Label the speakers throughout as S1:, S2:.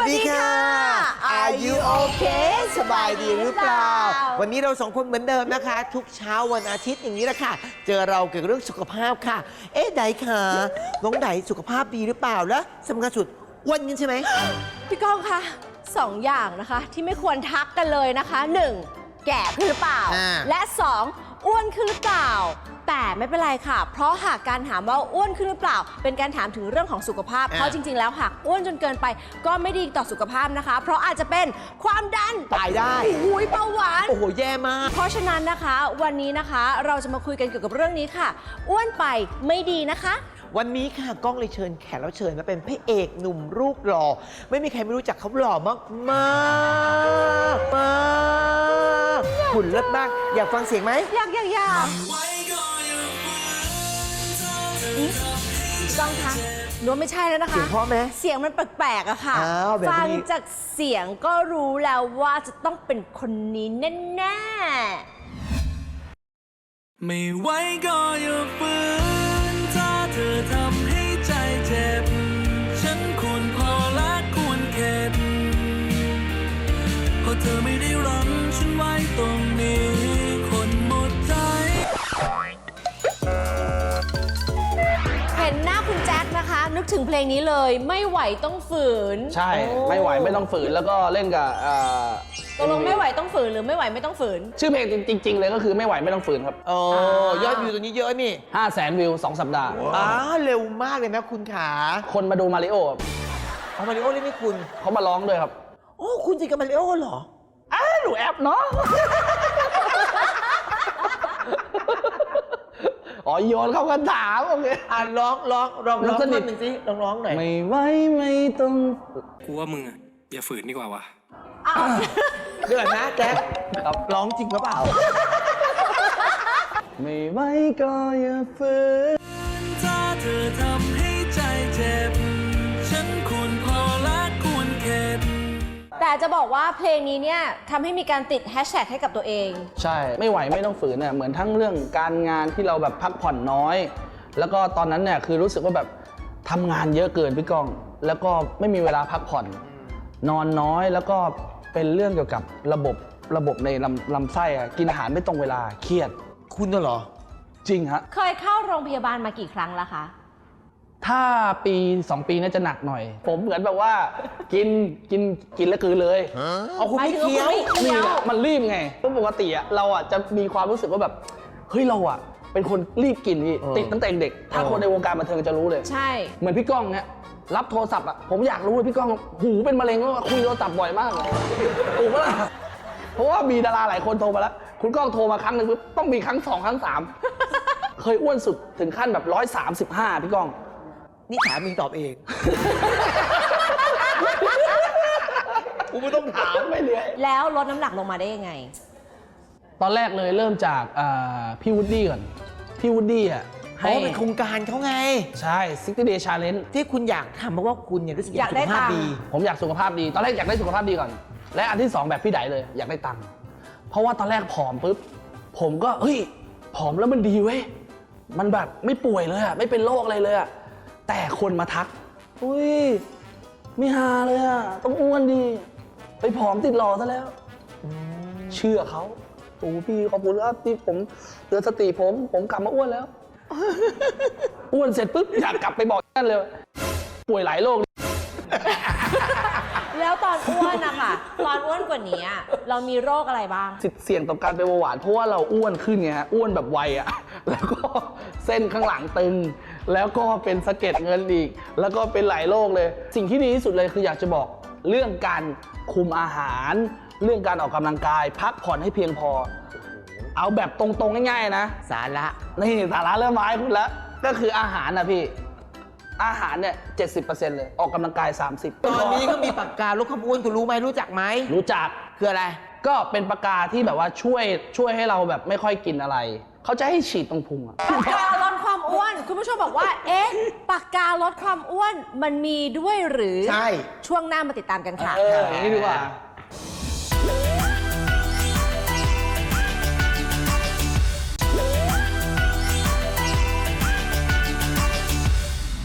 S1: ดีค่ะ Are you okay สบายดีหรือเปล่าวันนี้เราสองคนเหมือนเดิมนะคะ ทุกเช้าวันอาทิตย์อย่างนี้แหละค่ะเจอเราเกี่ยวกับเรื่องสุขภาพค่ะไดค่ะน้องไดสุขภาพดีหรือเปล่าและสำคัญสุดอ้วนกันใช่ไหม
S2: พี่ก้องคะ2 อย่างนะคะที่ไม่ควรทักกันเลยนะคะ 1. แก่ขึ้นหรือเปล่าและ 2. อ้วนขึ้นหรือเปล่าแต่ไม่เป็นไรค่ะเพราะหากการถามว่าอ้วนขึ้นหรือเปล่าเป็นการถามถึงเรื่องของสุขภาพเพราะจริงๆแล้วหากอ้วนจนเกินไปก็ไม่ดีต่อสุขภาพนะคะเพราะอาจจะเป็นความดัน
S1: ตายได้
S2: หูยเบาหวาน
S1: โอ้โหแย่มาก
S2: เพราะฉะนั้นนะคะวันนี้นะคะเราจะมาคุยกันเกี่ยวกับเรื่องนี้ค่ะอ้วนไปไม่ดีนะคะ
S1: วันนี้ค่ะก้องเลยเชิญแขกรับเชิญมาเป็นพระเอกหนุ่มรูปหล่อไม่มีใครไม่รู้จักเขาหล่อมากมากมากหุ่นเลิศมากอยากฟังเสียงไหม
S2: อยากต้องคะนึกไม่ใช่แล้วนะคะ
S1: เสียงเพราะไหม
S2: เสียงมันแปลกๆอะค่ะฟังจากเสียงก็รู้แล้วว่าจะต้องเป็นคนนี้แน่
S3: ๆไม่ไหวก็อย่าฝืนถ้าเธอทำให้ใจเจ็บฉันควรพอและควรเข็ดเพราะเธอไม่ได้รั้งฉันไว้ตรงนี้คนหมดใจ
S2: เห็นหน้าคุณแจ็คนะคะนึกถึงเพลงนี้เลยไม่ไหวต้องฝืน
S4: ใช่ไม่ไหวไม่ต้องฝืนแล้วก็เล่นกับ
S2: ตกลงไม่ไหวต้องฝืนหรือไม่ไหวไม่ต้องฝืน
S4: ชื่อเพลงจริงๆเลยก็คือไม่ไหวไม่ต้องฝืนครับ
S1: ยอดวิวตัวนี้เยอะนี่
S4: 500,000 วิว2 สัปดาห์
S1: เร็วมากเลยนะคุณขา
S4: คนมาดูมาริโอ
S1: มาริโอเล่นไม่คุณ
S4: เขามาร้องด้วยครับ
S1: โอ้คุณจริงกับมาริโอเหรอ
S4: หนูแอปเนาะโยนเข้ากันถามโอเค
S1: ร้องท่อนหนึ่งสิร้องหน่อย
S4: ไม่ไหวไม่ต้อง
S3: กูว่ามึงอย่าฝืนดีกว่าวะ
S1: เดือดนะแจ๊คร้องจริงหรือเปล่า
S4: ไม่ไหวก็อย่าฝืน
S3: ถ้าเธอทำให้ใจเจ็บฉันควรพอและควรเข็ด
S2: แต่จะบอกว่าเพลงนี้เนี่ยทำให้มีการติดแฮชแท็กให้กับตัวเอง
S4: ใช่ไม่ไหวไม่ต้องฝืนเนี่ยเหมือนทั้งเรื่องการงานที่เราแบบพักผ่อนน้อยแล้วก็ตอนนั้นเนี่ยคือรู้สึกว่าแบบทำงานเยอะเกินพี่ก้องแล้วก็ไม่มีเวลาพักผ่อนนอนน้อยแล้วก็เป็นเรื่องเกี่ยวกับระบบในลำไส้กินอาหารไม่ตรงเวลาเครียด
S1: คุณน่ะเหรอ
S4: จริงฮะ
S2: เคยเข้าโรงพยาบาลมากี่ครั้งแล้วคะ
S4: ถ้าปี2 ปีน่าจะหนักหน่อยผมเหมือนแบบว่ากินแล้วกลืนเลย
S1: เอาคุณไม่เคี้ยว
S4: นี่แหละมันรีบไงเพราะปกติเราจะมีความรู้สึกว่าแบบเฮ้ยเราเป็นคนรีบกินพี่ติดตั้งแต่เด็กถ้าคนในวงการบันเทิงจะรู้เลย
S2: ใช่
S4: เหมือนพี่ก้องเนี่ยรับโทรศัพท์ผมอยากรู้เลยพี่ก้องหูเป็นมะเร็งแล้วคุยโทรศัพท์บ่อยมากเลยถูกปะล่ะเพราะว่ามีดาราหลายคนโทรมาแล้วคุณก้องโทรมาครั้งหนึ่งปุ๊บต้องมีครั้ง2 ครั้ง 3เคยอ้วนสุดถึงขั้นแบบ135พี่ก้อง
S1: นี่ถามมึงตอบเองกูไม่ต้องถามไม่เลย
S2: แล้วลดน้ำหนักลงมาได้ยังไง
S4: ตอนแรกเลยเริ่มจากพี่วูดดี้ก่อนพี่วูดดี้
S1: ให้เป็นโครงการเขาไง
S4: ใช่60 day challenge
S1: ที่คุณอยากทำเพราะว่าคุณเนี่ยรู้สึกอยากสุขภาพดี
S4: ผมอยากสุขภาพดีตอนแรกอยากได้สุขภาพดีก่อนและอันที่2แบบพี่ไดเลยอยากได้ตังค์เพราะว่าตอนแรกผอมปุ๊บผมก็ผอมแล้วมันดีเว้ยมันแบบไม่ป่วยเลยไม่เป็นโรคอะไรเลยแต่คนมาทักไม่หาเลยต้องอ้วนดีไปผอมติดหล่อซะแล้วเชื่อเขาพี่ขอบคุณครับที่ผมเตือนสติผมกลับมาอ้วนแล้วอ้วนเสร็จปุ๊บอยากกลับไปบอกนั่นเลยป่วยหลายโรค
S2: แล้วตอนอ้วนนะคะตอนอ้วนกว่านี้เรามีโรคอะไรบ้าง
S4: เสี่ยงต่อการเป็นเบาหวานเพราะว่าเราอ้วนขึ้นไงฮะอ้วนแบบไวแล้วก็เส้นข้างหลังตึงแล้วก็เป็นสะเก็ดเงินอีกแล้วก็เป็นหลายโรคเลยสิ่งที่ดีที่สุดเลยคืออยากจะบอกเรื่องการคุมอาหารเรื่องการออกกำลังกายพักผ่อนให้เพียงพอเอาแบบตรงๆง่ายๆนะ
S1: สาระ
S4: นี่สาระเริ่มมาให้คุณแล้วก็คืออาหารนะพี่อาหารเนี่ย 70% เลยออกกำลังกาย 30%
S1: ตอนนี้ก็มีปากกาลดความอ้วนคุณรู้ไหมรู้จักไหม
S4: รู้จัก
S1: คืออะไร
S4: ก็เป็นปากกาที่แบบว่าช่วยให้เราแบบไม่ค่อยกินอะไรเขาจะให้ฉีดตรงพุง
S2: ปากกาลดความอ้วนคุณผู้ชมบอกว่าปากกาลดความอ้วนมันมีด้วยหรือ
S1: ใช่
S2: ช่วงหน้ามาติดตามกันค่ะ
S4: นี่ดีกว่า
S2: และตอน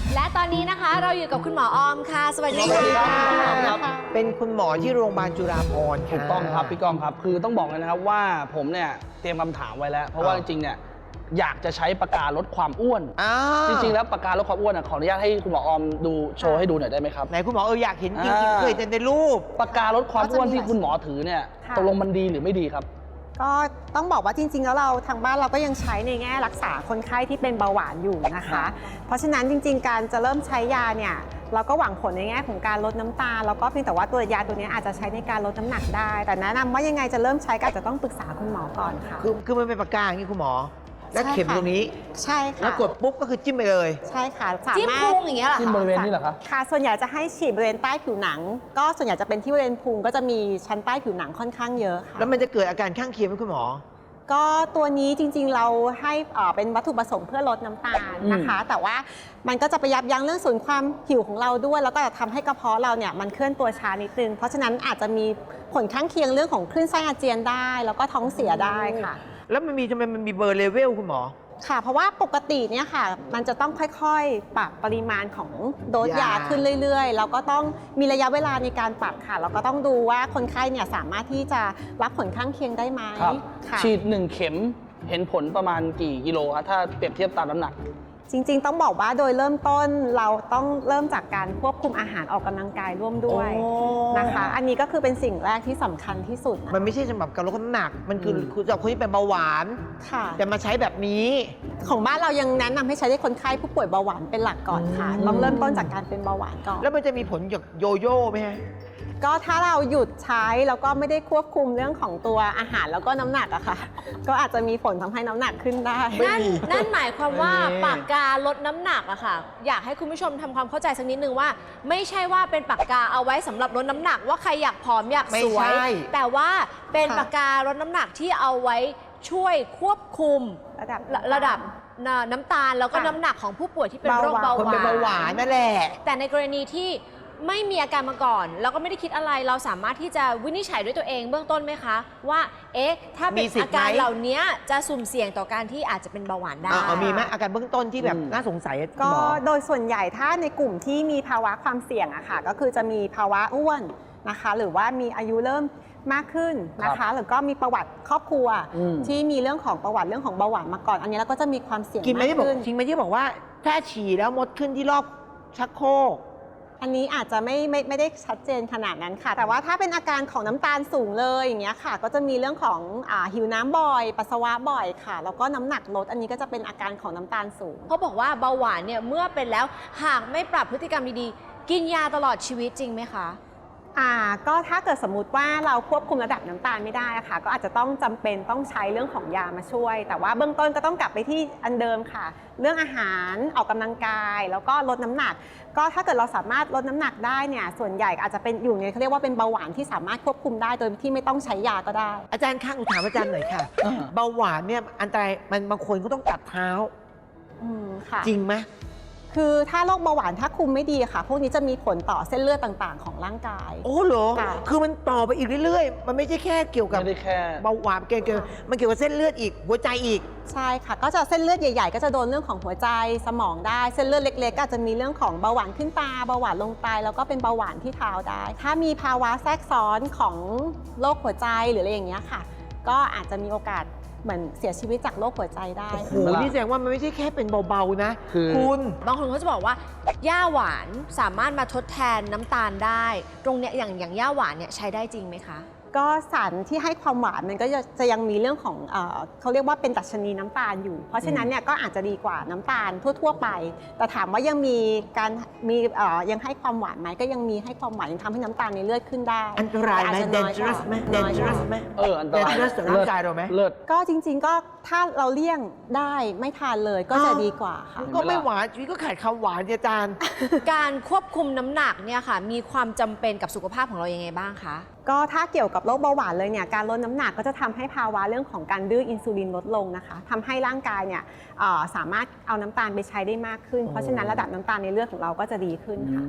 S2: นี้นะคะเราอยู่กับคุณหมอออมค่ะ สวัสดี
S4: สวัสดีครั
S2: ค่ะ
S4: บ
S1: เป็นคุณหมอที่โรงพยาบาลจุฬาภรณ์
S4: ถูกต้องครับพี่กองครับ คือต้องบอกเลยนะครับว่าผมเนี่ยเตรียมคำถามไว้แล้ว เพราะว่าจริงๆเนี่ยอยากจะใช้ปากกาลดความอ้วน จริงๆแล้วปากกาลดความอ้วนขออนุญาตให้คุณหมอออมดูโชว์ให้ดูหน่อยได้ไหมครับ
S1: ไหนคุณหมออยากเห็นจริงๆเคยเห็นในรูป
S4: ปากกาลดความอ้วนที่คุณหมอถือเนี่ย
S5: ค่ะ
S4: ตกลงมันดีหรือไม่ดีครับ
S5: ก็ต้องบอกว่าจริงๆ แล้วเราทางบ้านเราก็ยังใช้ในแง่รักษาคนไข้ที่เป็นเบาหวานอยู่นะคะ เพราะฉะนั้นจริงๆ การจะเริ่มใช้ยาเนี่ยเราก็หวังผลในแง่ของการลดน้ำตาลแล้วก็เพียงแต่ว่าตัวยาตัวนี้อาจจะใช้ในการลดน้ำหนักได้ แต่แนะนำว่ายังไงจะเริ่มใช้ก็อาจจะต้องปรึกษาคุณหมอก่อนค่ะ
S1: คือมันเป็นปากกาอย่างนี้คุณหมอ แล้วเข็ม
S5: ใช่ค่ะ
S1: ตรงนี้
S5: ใช่ค่ะ
S1: แล้วกดปุ๊บก็คือจิ้มไปเลย
S5: ใช่ค่ะสา
S2: จิ้ม
S5: มาร
S2: พุ
S5: ถ
S2: งอย่างเงี้ยเหรอ
S4: ที่บ
S2: คะ
S4: ริเวณนี้เหรอครับ
S5: ค่ะส่วนใหญ่จะให้ฉีดบริเวณใต้ผิวหนัง ก็ส่วนใหญ่จะเป็นที่บริเวณพุงก็จะมีชั้นใต้ผิวหนังค่อนข้างเยอะค่ะ
S1: แล้วมันจะเกิดอาการข้างเคียงไหมคุณหมอ
S5: ก็ตัวนี้จริงๆเราให้เป็นวัตถุประสงค์เพื่อลดน้ำตาลนะคะ แต่ว่ามันก็จะไปยับยั้งเรื่องศูนย์ความหิวของเราด้วย แล้วก็จะทำให้กระเพาะเราเนี่ยมันเคลื่อนตัวช้านิดนึง เพราะฉะนั้นอาจจะมีผลข้างเคียงเรื่องของคลื่นไส้อาเจียนได้ แล้วก็ท้องเสียได้ค่ะ
S1: แล้วมันมีทำไมมันมีเบอร์เลเวลคุณหมอ
S5: ค่ะ เพราะว่าปกติเนี่ยค่ะ มันจะต้องค่อยๆ ปรับปริมาณของโดสยาย
S1: า
S5: ขึ้นเรื่อยๆ แล้วก็ต้องมีระยะเวลาในการปรับค่ะ แล้วก็ต้องดูว่าคนไข้เนี่ยสามารถที่จะรับผลข้างเคียงได้ไหม
S4: ครับ
S5: ค่ะ
S4: ฉีด1 เข็มเห็นผลประมาณกี่กิโลครับถ้าเปรียบเทียบตามน้ำหนัก
S5: จริงๆ ต้องบอกว่าโดยเริ่มต้นเราต้องเริ่มจากการควบคุมอาหารออกกำลังกายร่วมด้วย
S1: โอ้
S5: นะคะ อันนี้ก็คือเป็นสิ่งแรกที่สำคัญที่สุดนะ
S1: มันไม่ใช่สำหรับการลดน้ำหนัก มันคือ
S4: อืม
S1: สำหรับคนที่เป็นเบาหวาน
S5: ค่ะ
S1: แต่มาใช้แบบนี้
S5: ของบ้านเรายังแนะนำให้ใช้ในคนไข้ผู้ป่วยเบาหวานเป็นหลักก่อนค่ะ
S1: อืม
S5: ต้องเริ่มต้นจากการเป็นเบาหวานก่อน
S1: แล้วมันจะมีผลจากโยโย่ไหมฮะ
S5: ก็ถ้าเราหยุดใช้แล้วก็ไม่ได้ควบคุมเรื่องของตัวอาหารแล้วก็น้ำหนักอะค่ะ ก็อาจจะมีผลทำให้น้ำหนักขึ้นได้
S1: ไม่
S2: นั่น
S1: มี
S2: นั่นหมายความว่า
S1: ไม่มี
S2: ปากกาลดน้ำหนักอะค่ะ อยากให้คุณผู้ชมทำความเข้าใจสักนิดนึงว่า ไม่ใช่ว่าเป็นปากกาเอาไว้สำหรับลดน้ำหนัก ว่าใครอยากผอมอยาก
S1: ไม่
S2: สวย
S1: ใช่
S2: แต่ว่าเป็น
S5: ค่ะ
S2: ปากกาลดน้ำหนักที่เอาไว้ช่วยควบคุม ระดับน้ำตาลแล้วก็
S5: ค่ะ
S2: น้ำหนักของผู้ป่วยที่เป็นโรคเบา
S1: คน
S2: ห
S1: เป็นเบาหวานนั่นแหละ
S2: แต่ในกรณีที่ไม่มีอาการมาก่อน แล้วก็ไม่ได้คิดอะไรเราสามารถที่จะวินิจฉัยด้วยตัวเองเบื้องต้นไหมคะ ว่าเอ๊ะถ้าเป็น
S1: มีสิทธิ์
S2: อาการ
S1: ไหม
S2: เหล่านี้จะสุ่มเสี่ยงต่อการที่อาจจะเป็นเบาหวานได้
S1: เอามีไหมอาการเบื้องต้นที่แบบ
S4: อืม
S1: น่าสงสัยอะคุณ
S5: ก็
S1: หมอ
S5: โดยส่วนใหญ่ถ้าในกลุ่มที่มีภาวะความเสี่ยงอะค่ะก็คือจะมีภาวะอ้วนนะคะ หรือว่ามีอายุเริ่มมากขึ้นนะคะหรือก็มีประวัติครอบครัว
S4: อืม
S5: ที่มีเรื่องของประวัติเรื่องของเบาหวานมาก่อน อันนี้เราก็จะมีความเสี่ยง
S1: กินไหม
S5: มาก
S1: ที่บอก
S5: ขึ้น
S1: จริงไหมที่บอกว่าถ้าฉี่แล้วมดขึ้นที่รอบชักโครก
S5: อันนี้อาจจะไม่ได้ชัดเจนขนาดนั้นค่ะ แต่ว่าถ้าเป็นอาการของน้ำตาลสูงเลยอย่างเงี้ยค่ะ ก็จะมีเรื่องของหิวน้ำบ่อย ปัสสาวะบ่อยค่ะ แล้วก็น้ำหนักลดอันนี้ก็จะเป็นอาการของน้ำตาลสูง
S2: เขาบอกว่าเบาหวานเนี่ยเมื่อเป็นแล้วหากไม่ปรับพฤติกรรมดีๆ กินยาตลอดชีวิตจริงไหมคะ
S5: ก็ถ้าเกิดสมมติว่าเราควบคุมระดับน้ำตาลไม่ได้อะค่ะ ก็อาจจะต้องจำเป็นต้องใช้เรื่องของยามาช่วย แต่ว่าเบื้องต้นก็ต้องกลับไปที่อันเดิมค่ะ เรื่องอาหารออกกำลังกาย แล้วก็ลดน้ำหนัก ก็ถ้าเกิดเราสามารถลดน้ำหนักได้เนี่ยส่วนใหญ่อาจจะเป็นอยู่ในเขาเรียกว่าเป็นเบาหวานที่สามารถควบคุมได้โดยที่ไม่ต้องใช้ยาก็ได้
S1: อาจารย์ข้างอุถามอาจารย์หน่อยค่ะ เบาหวานเนี่ยอันตรายมันบางคนก็ต้องตัดเท้า
S5: ค่ะ
S1: จริงไหม
S5: คือถ้าโรคเบาหวานถ้าคุมไม่ดีค่ะ พวกนี้จะมีผลต่อเส้นเลือดต่างๆ ของร่างกาย
S1: โอ้เหรอ
S5: ค่ะ
S1: คือมันต่อไปอีกเรื่อยๆ มันไม่ใช่แค่เกี่ยวกับ
S4: ไม่ได้แค่
S1: เบาหวานเกี่ยวมันเกี่ยวกับเส้นเลือดอีก หัวใจอีก
S5: ใช่ค่ะ ก็จะเส้นเลือดใหญ่ๆ ก็จะโดนเรื่องของหัวใจสมองได้ เส้นเลือดเล็กๆ ก็อาจจะมีเรื่องของเบาหวานขึ้นตาเบาหวานลงไตแล้วก็เป็นเบาหวานที่เท้าได้ ถ้ามีภาวะแทรกซ้อนของโรคหัวใจหรืออะไรอย่างเงี้ยค่ะ ก็อาจจะมีโอกาสเหมือนเสียชีวิตจากโรคหัวใจได้
S1: โอ้โห
S4: เห็นไหมล่ะ
S1: นี่แสดงว่ามันไม่ใช่แค่เป็นเบาๆนะ
S4: คือ
S1: คุณ
S2: บางคนเขาจะบอกว่าย่าหวานสามารถมาทดแทนน้ำตาลได้ ตรงเนี้ยอย่างย่าหวานเนี่ยใช้ได้จริงไหมคะ
S5: ก็สารที่ให้ความหวานมันก็จะยังมีเรื่องของเขาเรียกว่าเป็นดัชนีน้ำตาลอยู่ เพราะฉะนั้นเนี่ยก็อาจจะดีกว่าน้ำตาลทั่วๆไป แต่ถามว่ายังมีการยังให้ความหวานไหมก็ยังมีให้ความหวานยังทำให้น้ำตาลในเลือดขึ้นได้
S1: อันตรายไหม
S5: แต่อาจจะน้อยกว่า
S1: dangerous ไหม
S5: น้อยกว่า
S1: dangerous ไหม
S4: อันตราย
S1: dangerous ต่อร่างกายเราไหม
S4: เลิศ
S5: ก็จริงๆก็ถ้าเราเลี่ยงได้ไม่ทานเลยก็จะดีกว่าค่ะ
S1: ก็ไม่หวานชีวิตก็ขาดคำหวานสิอาจารย์
S2: การควบคุมน้ำหนักเนี่ยค่ะ มีความจำเป็นกับสุขภาพของเรายังไงบ้างคะ
S5: ก็ถ้าเกี่ยวกับโรคเบาหวานเลยเนี่ยการลดน้ำหนักก็จะทำให้ภาวะเรื่องของการดื้ออินซูลินลดลงนะคะทำให้ร่างกายเนี่ยสามารถเอาน้ำตาลไปใช้ได้มากขึ้น เพราะฉะนั้นระดับน้ำตาลในเลือดของเราก็จะดีขึ้นค่ะ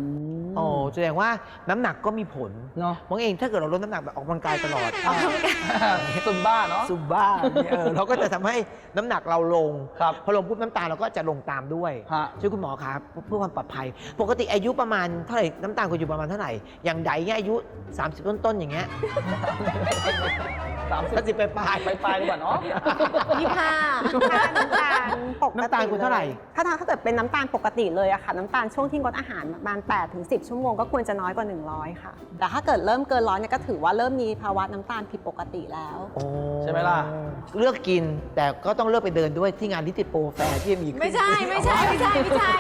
S1: โอ้แสดงว่าน้ำหนักก็มีผล
S4: เนาะ
S1: มองเองถ้าเกิดเราลดน้ำหนักแบบออกกำลังกายตลอด
S4: ซุมบ้าเนาะ
S1: ซุมบ้าเนี่ยเราก็จะทำให้น้ำหนักเราลง
S4: ครับ
S1: พอลงปุ๊บน้ำตาลเราก็จะลงตามด้วย
S4: ฮะ
S1: ช่วยคุณหมอครับเพื่อความปลอดภัย ปกติอายุประมาณเท่าไหร่น้ำตาลคุณอยู่ประมาณเท่าไหร่ อย่างใดเนี่ยอายุ 30 ต้นๆอย่างเงี้ย 30ไปปลาย
S4: ไปปลายดีกว่าเนาะ
S2: 25
S5: น้ำตาลปกติ
S1: น้ำตาลคุณเท่าไหร่
S5: ถ้าเกิดเป็นน้ำตาลปกติเลยอะค่ะน้ำตาลช่วงที่งดอาหารประมาณ8 ถึง 10 ชั่วโมงก็ควรจะน้อยกว่า 100 ค่ะ แต่ถ้าเกิดเริ่มเกิน100เนี่ยก็ถือว่าเริ่มมีภาวะน้ำตาลผิดปกติแล้ว
S1: โอ้
S4: ใช่ไหมล่ะ
S1: เลือกกินแต่ก็ต้องเลือกไปเดินด้วยที่งานลิติโปรแฟร์ที่มีขึ้น
S2: ไม่ใช่ไม่ใช่ไม่ใช่ไม่ใช่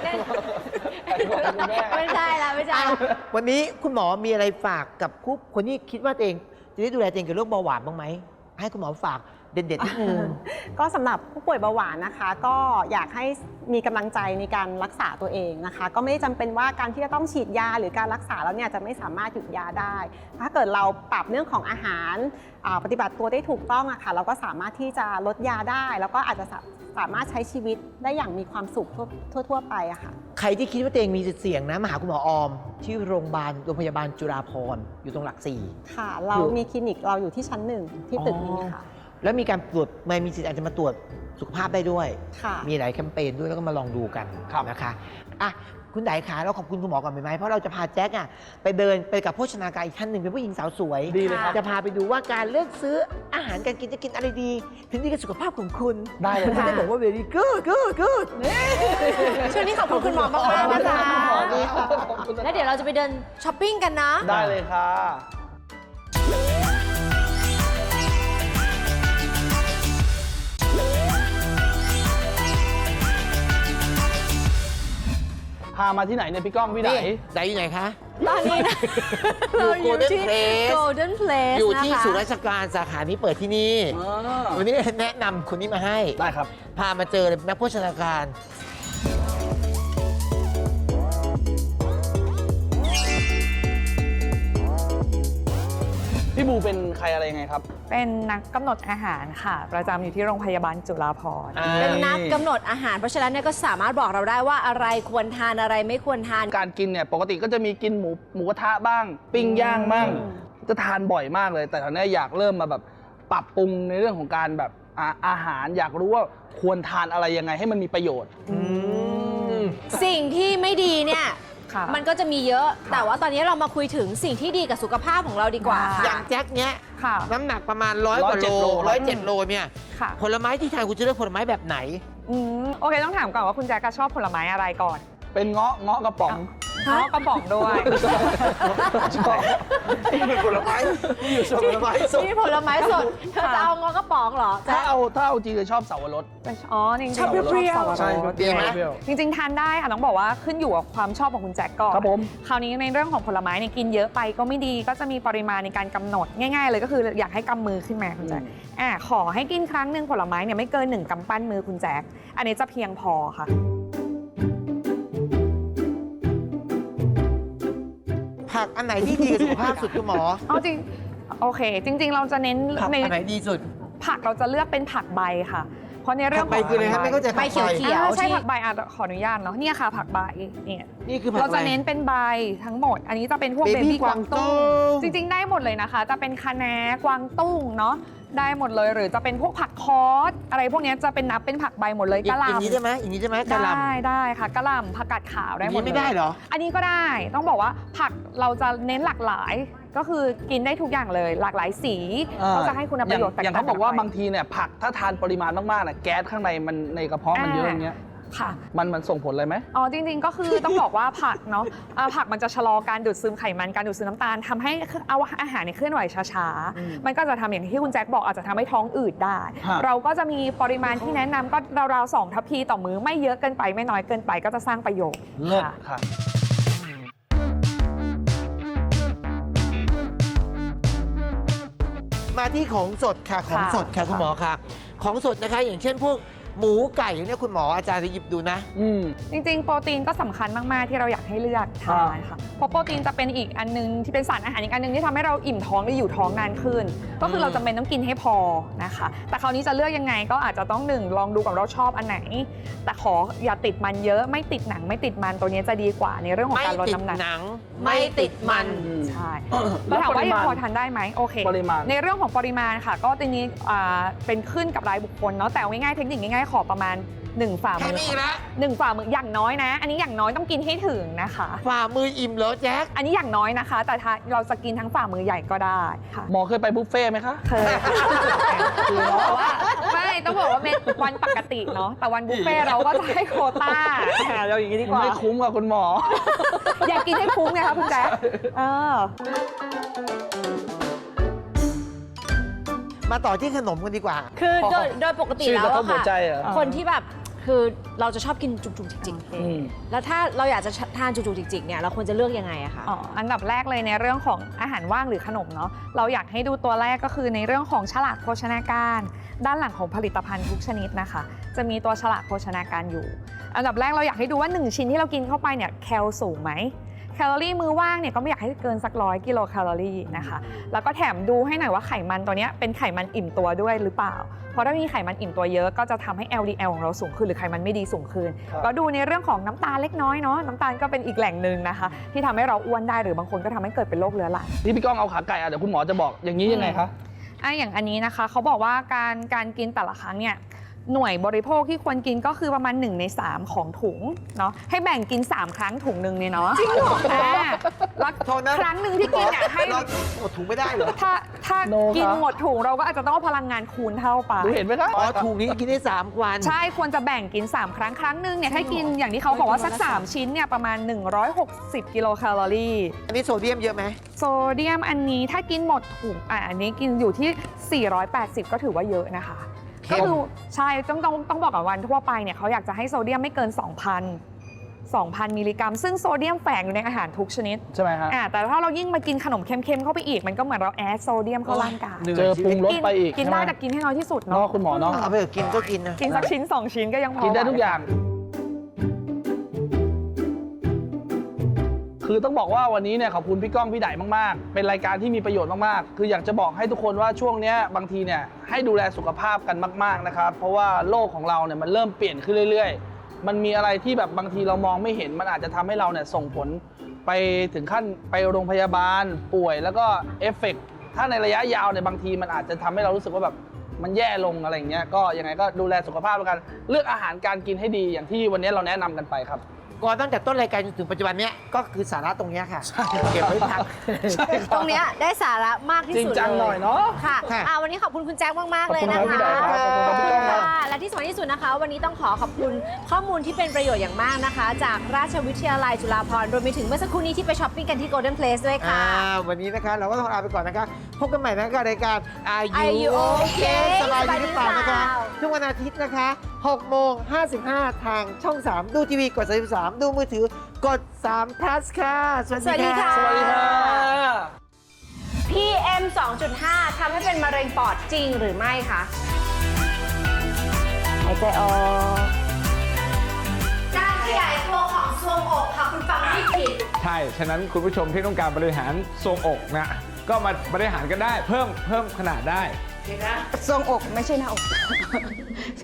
S2: ไม่ใช่แล้วไม่ใช่
S1: อ้าววันนี้คุณหมอมีอะไรฝากกับคนที่คิดว่าตัวเองจะได้ดูแลตัวเองกับโรคเบาหวานบ้างไหมให้คุณหมอฝากเด็ดๆนิดนึง
S5: ก็สำหรับผู้ป่วยเบาหวานนะคะ ก็อยากให้มีกำลังใจในการรักษาตัวเองนะคะ ก็ไม่ได้จำเป็นว่าการที่จะต้องฉีดยาหรือการรักษาแล้วเนี่ยจะไม่สามารถหยุดยาได้ ถ้าเกิดเราปรับเรื่องของอาหารปฏิบัติตัวได้ถูกต้องอะค่ะเราก็สามารถที่จะลดยาได้ แล้วก็อาจจะสามารถใช้ชีวิตได้อย่างมีความสุขทั่วไปอะค่ะ
S1: ใครที่คิดว่าตัวเองมีจุดเสี่ยงนะมาหาคุณหมอออม ที่โรงพยาบาลจุฬาภรณ์อยู่ตรงหลัก 4
S5: ค่ะ เรามีคลินิกเราอยู่ที่ชั้น 1 ที่ตึกนี้ค่ะ
S1: แล้วมีการตรวจมีสิทธิ์อาจจะมาตรวจสุขภาพได้ด้วย
S5: ค่ะ
S1: มีหลายแคมเปญด้วยแล้วก็มาลองดูกัน
S4: ครับ
S1: นะคะอ่ะคุณไดขาเราขอบคุณคุณหมอก่อนไหมเพราะเราจะพาแจ็คไปเดินไปกับโภชนาการอีกท่านหนึ่งเป็นผู้หญิงสาวสวย
S4: ดีเลยครับ
S1: จะพาไปดูว่าการเลือกซื้ออาหารการกินจะกินอะไรดีถึงดีกับสุขภาพของคุณ
S4: ได้เลย
S1: คุณจะได้บอกว่า very good
S2: ช่วงนี้ขอบคุณคุณหมอมากๆนะคะ
S4: ขอบคุณครับ
S2: แล้วเดี๋ยวเราจะไปเดินช้อปปิ้งกันนะ
S4: ได้เลยค่ะ พามาที่ไหนเนี่ยพี่ก้องพี่ไหน
S1: นี่ไดอยู่ไหนคะ
S2: ตอนนี้นะ
S1: อยู่
S2: เราอยู่ที่
S1: Golden Place
S2: Golden Place
S1: อยู่ที่
S2: นะคะ
S1: ศูนย์ราชการสาขานี้เปิดที่นี่
S4: อ๋อ
S1: วันนี้แนะนำคนนี้มาให้
S4: ได้ครับ
S1: พามาเจอเลยนักโภชนาการ
S4: พี่บูเป็นใครอะไรยังไงครับ
S6: เป็นนักกำหนดอาหารค่ะ ประจำอยู่ที่โรงพยาบาลจุฬาภรณ์
S2: เป็นนักกำหนดอาหาร เพราะฉะนั้นเนี่ยก็สามารถบอกเราได้ว่าอะไรควรทานอะไรไม่ควรทาน
S4: การกินเนี่ยปกติก็จะมีกินหมูกระทะบ้าง ปิ้งย่างบ้างจะทานบ่อยมากเลย แต่ตอนนี้อยากเริ่มมาแบบปรับปรุงในเรื่องของการแบบอาหารอยากรู้ว่าควรทานอะไรยังไงให้มันมีประโยชน์
S2: สิ่งที่ไม่ดีเนี่ย
S6: ค่ะ
S2: มันก็จะมีเยอะ แต่ว่าตอนนี้เรามาคุยถึงสิ่งที่ดีกับสุขภาพของเราดีกว่า
S6: ได้
S2: ค่ะ
S1: อย่างแจ็คเนี้ย
S6: ค่ะ
S1: น้ำหนักประมาณ100 กว่าโล
S4: 107 โล
S1: 107 โลเนี่ย
S6: ค่ะ
S1: ผลไม้ที่ทานคุณจะเลือกผลไม้แบบไหน
S6: โอเคต้องถามก่อนว่าคุณแจ๊กชอบผลไม้อะไรก่อน
S4: เป็นเงาะกระป๋อง
S6: อ๋อกระป๋องด้วย
S4: ชอบ
S1: เป็นผลไม้ที่อยู่ส่วนผลไม้สด
S2: นี่ผลไม้สด เธอจะเอางอกระป๋องเหรอ
S4: ถ้าเอาจริงเลยชอบเสาวรส
S6: อ๋อจริงๆ
S2: ชอบเปรี้ยวๆ
S6: สับปะรด
S4: ใช่
S1: เปรี้ยวไหม
S6: จริงๆทานได้ค่ะต้องบอกว่าขึ้นอยู่กับความชอบของคุณแจ็คก่อน
S4: ครับผม
S6: คราวนี้ในเรื่องของผลไม้เนี่ยกินเยอะไปก็ไม่ดีก็จะมีปริมาณในการกำหนดง่าย ๆ เลยก็คืออยากให้กำมือขึ้นมาคุณแจ็คขอให้กินครั้งหนึ่งผลไม้เนี่ยไม่เกิน1 กำปั้นมือคุณแจ็คอันนี้จะเพียงพอค่ะ
S1: ผักอันไหนที่ดีกับสุขภาพสุดคุณหมอ
S6: เอาจริงโอเค จริง ๆ เราจะเน้น
S1: ผัก
S6: ใน
S1: อันไหนดีสุด
S6: ผักเราจะเลือกเป็นผักใบค่ะ เพราะในเรื่
S1: ผั
S6: อก ง
S1: ใบคืออะไรครับไม่เข้าใจ
S2: ใบเขียว
S6: ใช่
S2: ที่
S6: ผักใบขออนุญาตเนาะเนี่ยค่ะ ผักใบเนี่ย
S1: นี่คือผัก
S6: เรา
S1: อะไร
S6: จะเน้นเป็นใบทั้งหมด อันนี้จะเป็นพวก
S1: Baby
S6: เบบี้กวางตุ้ง
S1: กวางตุ้ง
S6: จริง ๆ ได้หมดเลยนะคะ จะเป็นคะน้ากวางตุ้งเนาะได้หมดเลยหรือจะเป็นพวกผักคอสอะไรพวกเนี้ยจะเป็นนับเป็นผักใบหมดเลย
S1: อย่าง
S6: กะหล่ำ
S1: นี้ได้ไหมอย่างนี้ได้ไหมกะหล่ำ
S6: ได้ค่ะกะหล่ำผักกาดขาว
S1: อ
S6: ได้
S1: ย่าง
S6: หมด
S1: นี้
S6: เลย
S1: ไม่ได้เหรอ
S6: อันนี้ก็ได้ต้องบอกว่าผักเราจะเน้นหลากหลาย ก็คือกินได้ทุกอย่างเลย หลากหลายสีก็จะให้คุณประโยชน์แตก
S4: อย่าง
S6: ต่าง
S4: เขาบอกว่า
S6: กันไป
S4: บางทีเนี่ยผักถ้าทานปริมาณมากๆเนี่ยแก๊สข้างในมันในกระเพาะมันเยอะอย่างเงี้ย
S6: ค่ะ
S4: มันส่งผลอะไรไหม
S6: อ๋อจริงๆก็คือต้องบอกว่าผักเนาะผักมันจะชะลอการดูดซึมไขมันการดูดซึมน้ำตาลทำให้เอาอาหารเนี่ยเคลื่อนไหวช้าๆมันก็จะทำอย่างที่คุณแจ็คบอกอาจจะทำให้ท้องอืดได้
S4: ฮะ
S6: เราก็จะมีปริมาณที่แนะนำก็ราวๆ2 ทัพพีต่อมื้อไม่เยอะเกินไปไม่น้อยเกินไปก็จะสร้างประโยชน์
S4: เลิศ
S6: ค่ะ
S4: ค่ะ
S1: มาที่ของสดค่ะของสดค่ะ
S6: ค่ะ
S1: คุณหมอค่ะ ของสดนะคะ อย่างเช่นพวกหมูไก่เนี่ยคุณหมออาจารย์จะหยิบดูนะ
S6: จริงๆ โปรตีนก็สำคัญมากๆ ที่เราอยากให้เลือกทานค่ะ เพราะโปรตีนจะเป็นอีกอันนึงที่เป็นสารอาหารอีกอันนึงที่ทำให้เราอิ่มท้องได้อยู่ท้องนานขึ้น ก็คือเราจำเป็นต้องกินให้พอนะคะ แต่คราวนี้จะเลือกยังไงก็อาจจะต้องลองดูกับเราชอบอันไหน แต่ขออย่าติดมันเยอะไม่ติดหนังไม่ติดมันตัวนี้จะดีกว่าในเรื่องของ
S1: ไม่
S6: การลด
S1: ติด
S6: น้ำหนัก
S1: หนัง ไม่ติดมัน
S6: ใช่แล้วถามว่ายังพอทานได้ไหมโอเค
S4: ปริมาณ
S6: ในเรื่องของปริมาณค่ะ ก็ตัวนี้เป็นขึ้นกับรายบุคคลเนาะแต่เอาง่ายๆเทคนิคง่ายๆขอประมาณ1 ฝ่า
S1: แค่
S6: มือ
S1: นี้อีกแล้ว
S6: 1 ฝ่ามืออย่างน้อยนะ อันนี้อย่างน้อยต้องกินให้ถึงนะคะ
S1: ฝ่ามืออิ่มเหรอแจ็ค
S6: อันนี้อย่างน้อยนะคะ แต่ถ้าเราจะกินทั้งฝ่ามือใหญ่ก็ได้ค่ะ
S4: หมอเคยไปบุฟเฟ่ต์ไหมคะ
S6: เคยแต่ว่าไม่ต้องบอกว่าเป็นวันปกติเนาะแต่วันบุฟเฟ่ต์เราก็จะให้โควต้าเราอย่างนี้ดีกว่า
S4: ไม่คุ้มกับคุณหมอ
S6: อยากกินให้คุ้มไงคะคุณแจ๊คเออ
S1: มาต่อที่ขนมกันดีกว่า
S2: คือโดยปกติ
S4: ชื่อ
S2: แล้ว
S4: กระทบ
S2: อะ
S4: หัว
S2: ค่ะ
S4: ใจเหรอ
S2: คนที่แบบคือเราจะชอบกินจุกๆจิก
S4: อืม
S2: ๆแล้วถ้าเราอยากจะทานจุกๆจิกๆเนี่ยเราควรจะเลือกยังไงอะคะ
S6: อ๋ออันดับแรกเลยในเรื่องของอาหารว่างหรือขนมเนาะเราอยากให้ดูตัวแรกก็คือในเรื่องของฉลากโภชนาการ ด้านหลังของผลิตภัณฑ์ทุกชนิดนะคะ จะมีตัวฉลากโภชนาการอยู่ อันดับแรกเราอยากให้ดูว่า 1 ชิ้นที่เรากินเข้าไปเนี่ยแคลสูงไหมแคลอรี่มื้อว่างเนี่ยก็ไม่อยากให้เกินสัก100 กิโลแคลอรี่นะคะแล้วก็แถมดูให้หน่อยว่าไขมันตัวเนี้ยเป็นไขมันอิ่มตัวด้วยหรือเปล่า เพราะถ้ามีไขมันอิ่มตัวเยอะก็จะทำให้ LDL ของเราสูงขึ้นหรือไขมันไม่ดีสูงขึ้น
S4: ครับ
S6: ก็ดูในเรื่องของน้ำตาลเล็กน้อยเนาะน้ำตาลก็เป็นอีกแหล่งหนึ่งนะคะ ที่ทำให้เราอ้วนได้หรือบางคนก็ทำให้เกิดเป็นโรคเรื้อรัง
S4: ที่พี่ก้องเอาขาไก่เดี๋ยวคุณหมอจะบอกอย่างนี้ยังไงคะ
S6: อย่างอันนี้นะคะเขาบอกว่าการกินแต่ละครั้งเนี่ยหน่วยบริโภคที่ควรกินก็คือประมาณ1 ใน 3ของถุงเนาะให้แบ่งกิน 3 ครั้งถุงหนึ่งเนี่ยเนาะจริงเหรอแล้ว
S1: โทษนะ
S6: ครั้งหนึ่งที่กินเนี่ยให้
S1: เราหมดถุงไม่ได้เหรอ
S6: ถ้า
S4: โนครับ
S6: กินหมดถุงเราก็อาจจะต้องเอาพลังงานคูณเท่าไป
S4: ดูเห็นไหมคะ
S1: อ๋อถุงนี้กินได้3 วัน
S6: ใช่ควรจะแบ่งกิน 3 ครั้งครั้งหนึ่งเนี่ยให้กินอย่างที่เขาบอกว่าสัก 3 ชิ้นเนี่ยประมาณ 160 กิโลแคลอรี่
S1: อันนี้โซเดียมเยอะไหม
S6: โซเดียมอันนี้ถ้ากินหมดถุงอันนี้กินอยู่ที่ 480 ก็ถือว่าเยอะนะคะ
S1: เข้
S6: ก็
S1: ม
S6: คือใช่ต้องบอกกับวันทั่วไปเนี่ยเขาอยากจะให้โซเดียมไม่เกิน 2,000 มิลลิกรัม ซึ่งโซเดียมแฝงอยู่ในอาหารทุกชนิด
S4: ใช่ไหมฮะ
S6: แต่ถ้าเรายิ่งมากินขนมเค็มๆเข้าไปอีก มันก็เหมือนเราแอดโซเดียมเข้าร่างกาย
S1: เหนื่อย
S4: เจอปรุงรสไปอีก
S6: กิน
S4: ใช่หม
S6: ได้แต่กินให้น้อยที่สุด
S4: เนาะ
S6: เนาะ
S4: คุณหมอเนาะ
S1: เอาไปเถอะกินก็กินนะ
S6: กินสักชิ้น 2 ชิ้นก็ยังพอ
S4: กินได้ทุกอย่าง คือต้องบอกว่าวันนี้เนี่ยขอบคุณพี่ก้องพี่ไดมากๆ เป็นรายการที่มีประโยชน์มากๆ คืออยากจะบอกให้ทุกคนว่าช่วงเนี้ยบางทีเนี่ยให้ดูแลสุขภาพกันมากๆนะครับเพราะว่าโลกของเราเนี่ยมันเริ่มเปลี่ยนขึ้นเรื่อยๆ มันมีอะไรที่แบบบางทีเรามองไม่เห็นมันอาจจะทำให้เราเนี่ยส่งผลไปถึงขั้นไปโรงพยาบาลป่วยแล้วก็เอฟเฟกต์ถ้าในระยะยาวเนี่ยบางทีมันอาจจะทำให้เรารู้สึกว่าแบบมันแย่ลงอะไรอย่างเงี้ยก็ยังไงก็ดูแลสุขภาพแล้วกันเลือกอาหารการกินให้ดีอย่างที่วันนี้เราแนะนำกันไปครับ
S1: ก่อนตั้งแต่ต้นรายการจนถึงปัจจุบันเนี้ยก็คือสาระตรงเนี้ยค่ะ เก็บไว้พัก
S2: ตรงเนี้ยได้สาระมากที่
S4: จริง
S2: สุด
S4: จังหน่อยเนาะ
S2: ค่ะ
S1: ค่ะ
S2: วันนี้ขอบคุณคุณแจ็คมากๆเลยนะ
S4: ขอบคุณครั
S2: คะ
S4: บพี่ไดครับขอบคุณครับพี่ก้องครับ
S2: ค่ะและที่สำคัญที่สุดนะคะ วันนี้ต้องขอบคุณข้อมูลที่เป็นประโยชน์อย่างมากนะคะ จากราชวิทยาลัยจุฬาภรณ์รวมไปถึงเมื่อสักครู่นี้ที่ไปช้อปปิ้งกันที่ Golden Place ด้วยค่ะ
S1: วันนี้นะคะเราก็ต้องลาไปก่อนนะคะพบกันใหม่นะคะกับรายการ
S2: Are You Okay
S1: สบายดีหรือเปล่านะคะ
S2: สบายดีหรือเปล่า
S1: ทุกวันอาทิตย์นะคะ6:55 ทางช่อง 3 ดูทีวีกด33ดูมือถือกด3 plus ค่ะ สวัสดีค่ะ
S4: สวัสดีค่ะ
S2: PM 2.5 ทำให้เป็นมะเร็งปอดจริงหรือไม่คะหายใจออกการขยายตัวของทรวงอกค่ะคุณฟังไม่ผิด
S7: ใช่ ฉะนั้นคุณผู้ชมที่ต้องการบริหารทรวงอกนะ ก็มาบริหารกันได้ เพิ่มขนาดได้
S8: ทรวงอกไม่ใช่หน้าอก